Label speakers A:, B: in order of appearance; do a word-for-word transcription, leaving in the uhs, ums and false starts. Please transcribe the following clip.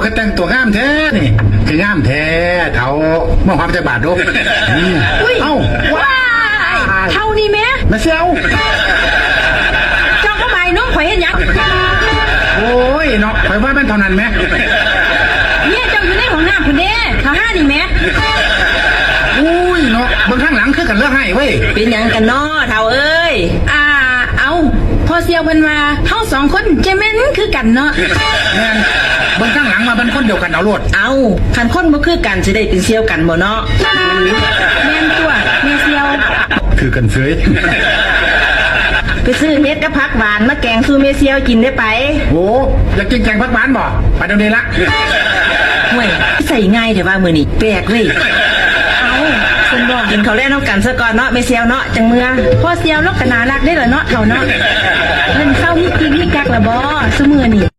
A: คือแต่งตัวงามแท้นี่คืองามแท้เท่าเมื่อความใจบาดดูเอ้าว้า
B: เท่านี้แม่
A: มาเซียว
B: เจ้าก็ใบน้องข่อยเห็นยัง
A: โอ้ยเนาะข่อยว่ามันเท่านั้นไหม
B: เนี่ยเจ้าอยู่ในห้องน้ำคุณเด้ข้าห้านี่แม่
A: อุ้ยเนาะบางข้างหลังคือกันเลือกให้เว้ย
B: เป็นยังกันนาะเท่าเอ้ยอ่าเอาพอเซียวเพิ่นมาเท่าสองคนเจแม่นคือกันเนาะ
A: แม่นบางข้างหลังมาเป็นคนเดียวกันเอาโลด
B: เอาคันคนบ่คือกันสิได้เป็นเซียวกันบ่เนาะแม่นตัวแม่เซียว
A: คือกันเสย
B: ไปซื้อเม็ดกับผักหวานมาแกงสู้เมเซียวกินได้ไป
A: โอ้อยากกินแกงผักหวานบ่ไปเดี๋ยวนี้ละ
B: ห่วยใส่ง่ายแต่ว่ามือนี่แปลกเว้ยเอาคุณบอกกินเขาวแรกน้องกันซะก่อนเนาะเมเซียวเนาะจังเมือพ่อเซียวลกกะนารักได้เหรอเนาะเท่าเนาะเงินเข้าฮิกฮิกฮิกกักละบ่ซุมือนี่